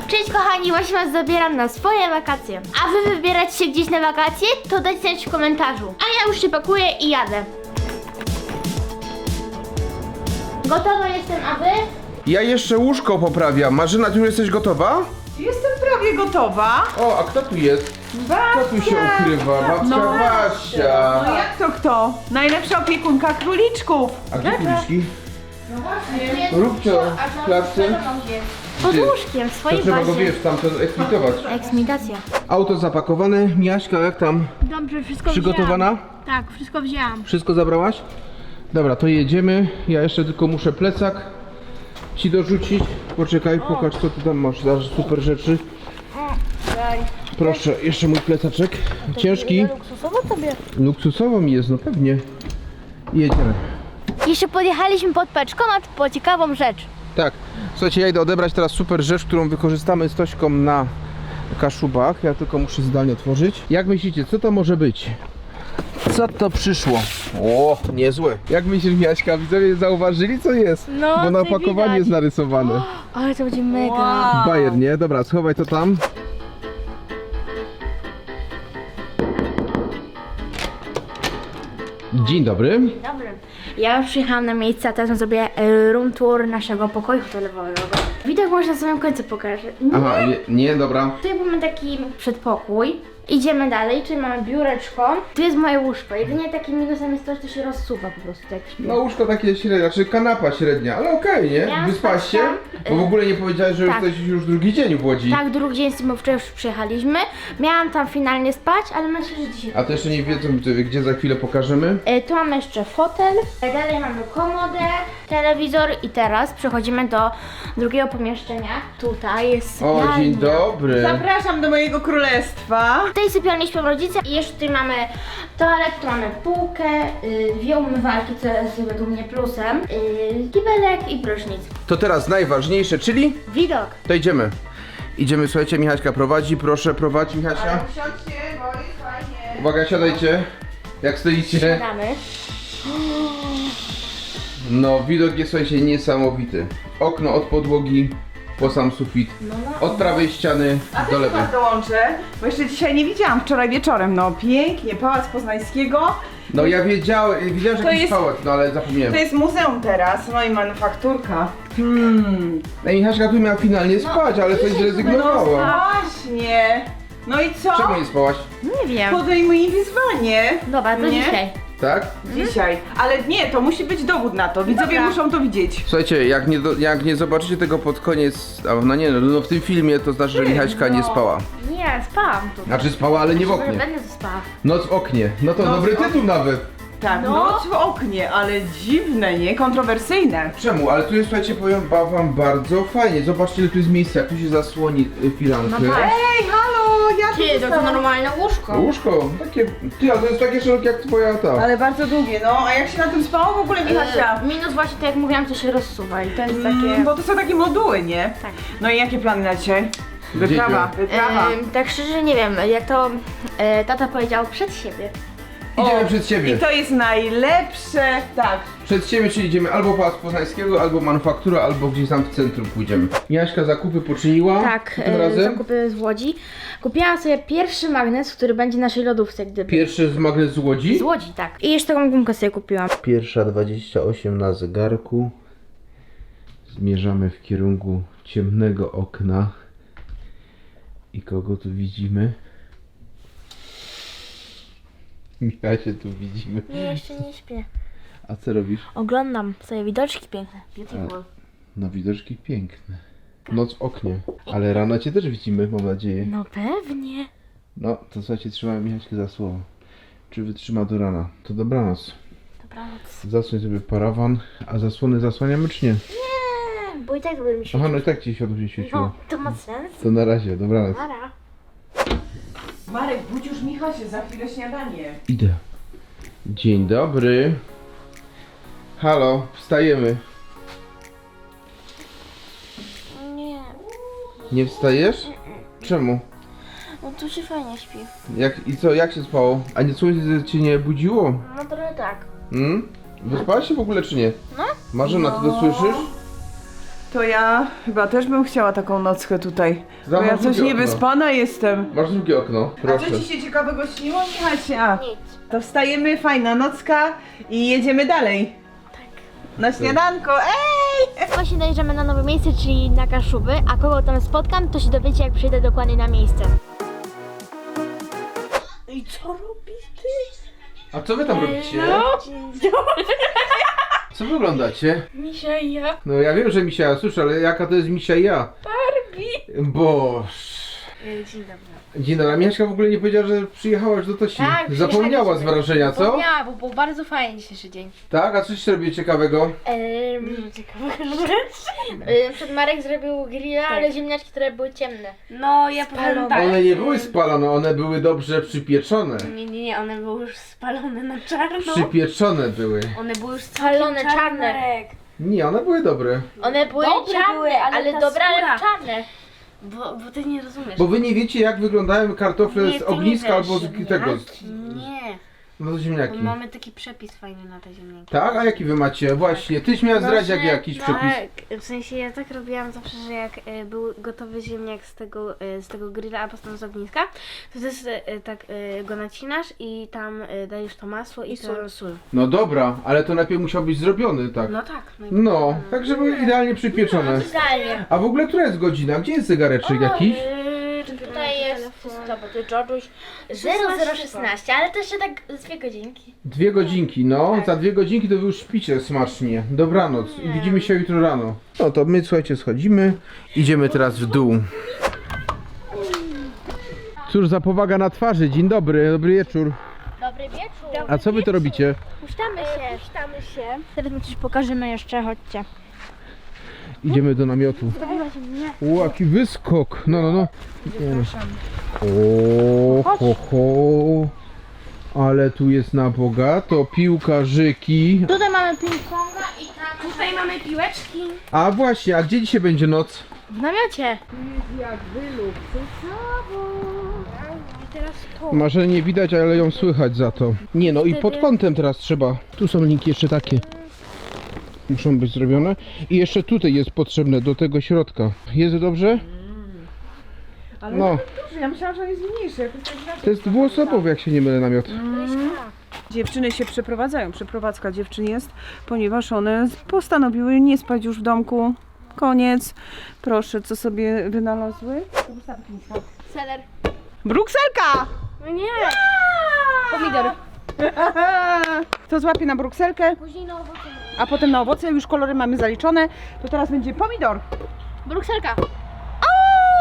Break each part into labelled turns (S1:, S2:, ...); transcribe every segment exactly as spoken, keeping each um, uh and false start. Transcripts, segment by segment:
S1: Cześć kochani, właśnie was zabieram na swoje wakacje. A wy wybieracie się gdzieś na wakacje? To dajcie znać w komentarzu. A ja już się pakuję i jadę. Gotowa jestem, a wy?
S2: Ja jeszcze łóżko poprawiam. Marzena, ty już jesteś gotowa?
S3: Jestem prawie gotowa.
S2: O, a kto tu jest? Kto tu się ukrywa? Babcia
S3: No
S2: Wasia.
S3: No jak to kto? Najlepsza opiekunka króliczków.
S2: A gdzie kuliczki?
S1: No właśnie.
S2: Róbcio, w klatce.
S1: Pod
S2: Gdzie?
S1: łóżkiem, w
S2: To
S1: swojej
S2: trzeba go,
S1: bazie.
S2: wiesz, tamten eksmitować.
S1: Eksmitacja.
S2: Auto zapakowane. Miaśka, jak tam?
S1: Dobrze, wszystko
S2: Przygotowana?
S1: wzięłam. Tak, wszystko wzięłam.
S2: Wszystko zabrałaś? Dobra, to jedziemy. Ja jeszcze tylko muszę plecak ci dorzucić. Poczekaj, pokaż co ty tam masz. Zaraz super rzeczy. Proszę, jeszcze mój plecaczek. Ciężki.
S1: Luksusowo tobie.
S2: Luksusowo mi jest, no pewnie. Jedziemy.
S1: Jeszcze podjechaliśmy pod paczkomat po ciekawą rzecz.
S2: Tak, słuchajcie, ja idę odebrać teraz super rzecz, którą wykorzystamy z Tośką na Kaszubach. Ja tylko muszę zdalnie otworzyć. Jak myślicie, co to może być? Co to przyszło? O, niezłe. Jak myślisz, Miaśka, widzowie zauważyli, co jest?
S1: No,
S2: Bo na
S1: tutaj
S2: opakowaniu
S1: widać.
S2: jest narysowane.
S1: Ale to będzie mega.
S3: Wow.
S2: Bajer, nie? Dobra, schowaj to tam. Dzień dobry.
S1: Dobry. Ja już przyjechałam na miejsce, a teraz zrobię e, room tour naszego pokoju hotelowego. Widok może na samym końcu pokażę. Nie.
S2: Aha, nie, nie dobra.
S1: Tutaj mamy taki przedpokój. Idziemy dalej, czyli mamy biureczko. Tu jest moje łóżko. Jedynie takim minusem jest to, że to się rozsuwa po prostu jak śpię.
S2: No łóżko takie średnie, znaczy kanapa średnia, ale okej, nie?
S1: Miałam
S2: Wyspałaś się?
S1: spać tam,
S2: Bo w
S1: y,
S2: ogóle nie powiedziałeś, że
S1: tak.
S2: jesteś już drugi dzień w Łodzi.
S1: Tak, drugi dzień z tym, bo wczoraj już przyjechaliśmy. Miałam tam finalnie spać, ale myślę, że dzisiaj...
S2: A to jeszcze nie wiedzą, gdzie za chwilę pokażemy.
S1: E, Tu mamy jeszcze fotel, dalej mamy komodę, telewizor i teraz przechodzimy do drugiego pomieszczenia. Tutaj jest
S2: O,
S1: sypialnia.
S2: dzień dobry.
S3: Zapraszam do mojego królestwa.
S1: W tej sypialni śpią rodzice i jeszcze tutaj mamy toaletę, tu mamy półkę, y, dwie umywalki, co jest według mnie plusem, y, kibelek i prysznic.
S2: To teraz najważniejsze, czyli
S1: Widok.
S2: to idziemy. Idziemy, słuchajcie, Michaśka prowadzi, proszę prowadź Michasia.
S3: Usiądźcie, bo jest fajnie.
S2: Uwaga, siadajcie. Jak stoicie?
S1: Siadamy.
S2: No, widok jest, słuchajcie, niesamowity. Okno od podłogi po sam sufit. Od prawej ściany
S3: A
S2: do
S3: też
S2: lewej.
S3: was dołączę, bo jeszcze dzisiaj nie widziałam, wczoraj wieczorem. No pięknie, Pałac Poznańskiego.
S2: No ja wiedziałem, wiedziałem, że
S3: To
S2: jakiś
S3: jest-
S2: pałac, no ale zapomniałem.
S3: To jest muzeum teraz, no i manufakturka. Hmm.
S2: Ej, Michaśka tu miała finalnie spać, ale coś
S3: No
S2: zrezygnowała.
S3: właśnie. No i co?
S2: Czemu nie spałaś?
S1: Nie wiem.
S3: Podejmuj wyzwanie.
S1: Dobra, to
S3: Nie?
S1: dzisiaj.
S2: Tak?
S3: Dzisiaj. Ale nie, to musi być dowód na to. Widzowie
S1: Dobra.
S3: muszą to widzieć.
S2: Słuchajcie, jak nie, do, jak nie zobaczycie tego pod koniec, a no nie no, no w tym filmie, to znaczy, że Michaśka nie
S3: no.
S2: spała.
S1: Nie, spałam tu.
S2: Znaczy spała, ale nie w
S1: Może
S2: oknie.
S1: będę tu spała.
S2: Noc w oknie. No to
S3: Noc
S2: dobry
S3: w oknie.
S2: tytuł nawet.
S3: Tak,
S1: No.
S3: noc w oknie, ale dziwne, nie? Kontrowersyjne.
S2: Czemu? Ale tu jest, słuchajcie, powiem wam bardzo fajnie. Zobaczcie, ile tu jest miejsca, jak tu się zasłoni y, firankę.
S1: No tak.
S3: Ej, halo, ja tu
S1: Ty, to, to
S3: zostałam.
S1: normalne łóżko.
S2: Łóżko, takie, ty, ale to jest takie szerokie jak twoja ta.
S3: Ale bardzo długie, no. A jak się na tym spało w ogóle, Michasia?
S1: E, minus właśnie, tak jak mówiłam, to się rozsuwa i to jest takie...
S3: Mm, bo to są takie moduły, nie?
S1: Tak.
S3: No i jakie plany na dzisiaj? Wyprawa,
S2: Gdzie
S3: wyprawa.
S1: E, tak szczerze nie wiem, jak to e, tata powiedział przed siebie.
S2: Idziemy
S3: O,
S2: przed siebie.
S3: I to jest najlepsze, tak.
S2: Przed siebie, czyli idziemy albo Pałac Poznańskiego, albo Manufaktura, albo gdzieś tam w centrum pójdziemy. Miaśka zakupy poczyniła
S1: Tak,
S2: tym
S1: e,
S2: razem.
S1: zakupy z Łodzi. Kupiłam sobie pierwszy magnes, który będzie w naszej lodówce, gdyby.
S2: Pierwszy z magnes z Łodzi.
S1: Z Łodzi, tak. I jeszcze taką gumkę sobie kupiłam.
S2: Pierwsza dwadzieścia osiem na zegarku. Zmierzamy w kierunku ciemnego okna. I kogo tu widzimy? Michasie tu widzimy.
S1: Nie, jeszcze nie śpię.
S2: A co robisz?
S1: Oglądam sobie widoczki piękne. Beautiful.
S2: No widoczki piękne. Noc w oknie. Ale rano cię też widzimy, mam nadzieję.
S1: No pewnie.
S2: No, to słuchajcie, trzymamy Michaśkę za słowo. Czy wytrzyma do rana? To dobranoc.
S1: Dobranoc.
S2: Zasłoń sobie parawan, a zasłony zasłaniamy czy nie?
S1: Nie, bo i tak by mi się...
S2: Aha, no i tak ci światło się świeciło.
S1: No, to ma sens.
S2: To na razie, dobranoc.
S1: Para.
S3: Marek, budź już Michasie, za chwilę śniadanie.
S2: Idę. Dzień dobry. Halo, wstajemy.
S1: Nie,
S2: Nie wstajesz? Czemu?
S1: no tu się fajnie śpi.
S2: Jak, i co, jak się spało? A nie słońce cię nie budziło?
S1: No trochę tak.
S2: Hmm? Wyspałaś się w ogóle czy nie?
S1: No.
S2: Marzena, ty to słyszysz?
S3: to ja chyba też bym chciała taką nockę tutaj. Bo
S2: Zamknij
S3: ja coś
S2: okno.
S3: niewyspana jestem.
S2: Masz drugie okno,
S3: A
S2: proszę.
S3: co ci się ciekawego śniło, Michasia?
S1: Nic.
S3: To wstajemy, fajna nocka i jedziemy dalej. Tak. Na śniadanko, ej!
S1: Właśnie dojeżdżamy na nowe miejsce, czyli na Kaszuby, a kogo tam spotkam, to się dowiecie, jak przyjdę dokładnie na miejsce.
S3: I co robisz ty?
S2: A co wy tam robicie? Co wy oglądacie?
S1: Misia i ja.
S2: No ja wiem, że Misia, słyszę, ale jaka to jest Misia i ja?
S1: Barbie.
S2: Boż.
S1: Dzień dobry.
S2: Dzień dobry, a Miaśka w ogóle nie powiedziała, że przyjechałaś do Tosi.
S4: Tak,
S2: Zapomniała z wrażenia, co?
S4: Zapomniała, bo był bardzo fajny dzisiejszy dzień.
S2: Tak? A coś robię ciekawego?
S4: Dużo ciekawych rzeczy.
S1: Przed Marek zrobił grilla,
S4: Tak.
S1: ale ziemniaczki, które były ciemne.
S4: No, ja powiem tak.
S2: One nie były spalone, one były dobrze przypieczone.
S4: Nie, nie, nie, one były już spalone na czarno.
S2: Przypieczone były.
S4: One były już
S1: Spalone,
S4: całkiem
S1: czarne.
S4: Marek.
S2: Nie, one były dobre.
S1: One były
S4: Dobre
S1: czarne,
S4: były, ale
S1: ale
S4: ta
S1: dobre, ale
S4: skóra.
S1: czarne.
S4: Bo, bo ty nie rozumiesz.
S2: Bo wy nie wiecie, jak wyglądają kartofle
S4: Nie,
S2: z
S4: ty nie
S2: ogniska
S4: wiesz.
S2: albo z tego. z-
S4: Nie,
S2: No to
S4: bo
S2: ziemniaki.
S4: mamy taki przepis fajny na te ziemniaki.
S2: Tak? A jaki wy macie? Właśnie, tyś miała zdradzić jak jakiś przepis.
S4: Tak, w sensie ja tak robiłam zawsze, że jak e, był gotowy ziemniak z tego, e, z tego grilla, a potem z ogniska, to też e, tak e, go nacinasz i tam e, dajesz to masło i, to sól.
S2: No dobra, ale to najpierw musiał być zrobiony, tak.
S4: No tak.
S2: No, tak żeby idealnie przypieczone.
S1: Idealnie.
S2: A w ogóle która jest godzina? Gdzie jest zegareczek jakiś?
S1: Yy, tutaj jest, co bo ty George'uś, zero zero szesnaście, ale to jeszcze tak z dwie godzinki.
S2: Dwie godzinki, no. Za dwie godzinki to wy już śpicie smacznie. Dobranoc. I widzimy się jutro rano. No to my, słuchajcie, schodzimy. Idziemy teraz w dół. Cóż za powaga na twarzy. Dzień dobry, dobry wieczór.
S1: Dobry wieczór.
S2: A co wy to robicie?
S1: Puszczamy się. Puszczamy się. Teraz my coś pokażemy jeszcze, chodźcie.
S2: Idziemy do namiotu. O, jaki wyskok. No, no, no. Idziemy. O, ho, ho. Ale tu jest na bogato. Piłkarzyki.
S1: Tutaj mamy ping-ponga i tam
S4: Tutaj mamy piłeczki.
S2: A właśnie, a gdzie dzisiaj będzie noc?
S1: w namiocie.
S2: Może nie widać, ale ją słychać za to. Nie no i pod kątem teraz trzeba. Tu są linki jeszcze takie. Muszą być zrobione. I jeszcze tutaj jest potrzebne do tego środka. Jest dobrze?
S3: Ale
S2: No.
S3: duży, ja myślałam, że on jest mniejszy. jakoś tak inaczej.
S2: To jest dwuosobowy, jak się nie mylę, namiot.
S3: Dziewczyny się przeprowadzają, przeprowadzka dziewczyn jest, ponieważ one postanowiły nie spać już w domku. Koniec. Proszę, co sobie wynalazły?
S1: Seler.
S3: Brukselka!
S1: No nie. Pomidor.
S3: To złapie na brukselkę,
S1: Później na owoce.
S3: a potem na owoce, już kolory mamy zaliczone. To teraz będzie pomidor.
S1: Brukselka.
S3: O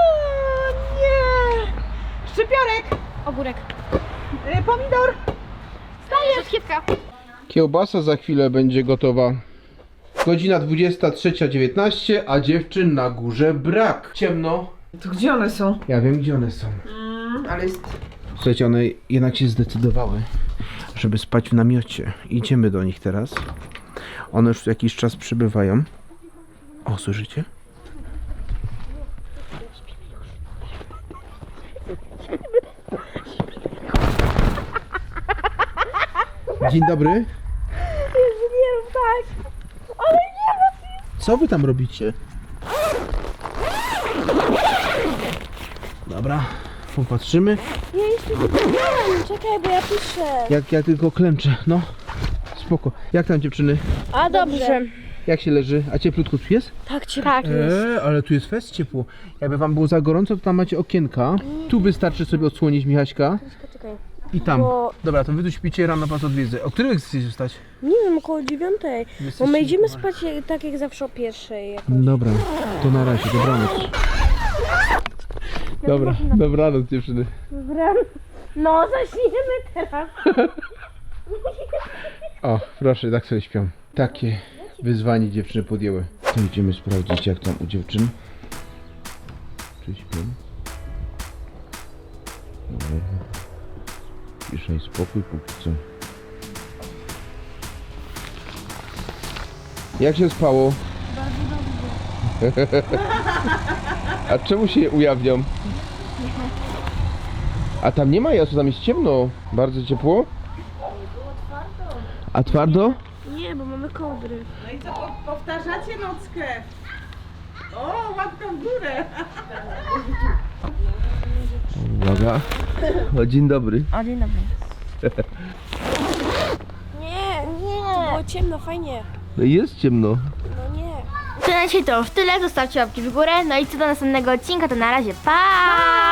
S3: nie! Szczypiorek!
S1: Ogórek.
S3: Y, pomidor!
S1: Rzodkiewka.
S2: Kiełbasa za chwilę będzie gotowa. Godzina dwudziesta trzecia dziewiętnaście, a dziewczyn na górze brak. Ciemno.
S3: To gdzie one są?
S2: Ja wiem, gdzie one są.
S3: Ale jest...
S2: Słuchajcie, one jednak się zdecydowały, żeby spać w namiocie. Idziemy do nich teraz. One już jakiś czas przybywają. O, słyszycie? Dzień dobry.
S1: Nie rób tak. Ale nie.
S2: Co wy tam robicie? Dobra, popatrzymy.
S1: Ja jeszcze nie czekaj, bo ja piszę.
S2: Jak ja tylko klęczę, no. Spoko. Jak tam dziewczyny?
S1: A dobrze.
S2: Jak się leży? A cieplutko tu jest?
S1: Tak cię tak.
S2: Eee, ale tu jest fest ciepło. Jakby wam było za gorąco, to tam macie okienka. Tu wystarczy sobie odsłonić Michaśka.
S1: Czekaj.
S2: I tam.
S5: Bo-
S2: Dobra, to wy tu śpicie, rano was odwiedzę. O których chcecie wstać?
S5: Nie wiem, około dziewiątej. Bo
S2: Jesteście-
S5: my idziemy spać jak- tak jak zawsze o pierwszej. jakoś.
S2: Dobra, to na razie, dobranoc. Dobra, dobranoc dziewczyny.
S1: No, zaczniemy teraz.
S2: O, proszę, tak sobie śpią. Takie wyzwanie dziewczyny podjęły. To idziemy sprawdzić, jak tam u dziewczyn. Czy śpią? Dobra. Cisza i spokój póki co. Jak się spało? Bardzo dobrze. A czemu się ujawniam? A tam nie ma jasu, tam jest ciemno. Bardzo ciepło? A twardo?
S5: Nie, bo mamy kołdry.
S3: No i co, po- powtarzacie nockę? O, łapka w górę.
S2: Uwaga. O, dzień dobry.
S5: O, dzień dobry. Nie, nie. To było ciemno, fajnie.
S2: No jest ciemno.
S5: No nie.
S1: To na dzisiaj to w tyle, zostawcie łapki w górę, no i co do następnego odcinka, to na razie, pa!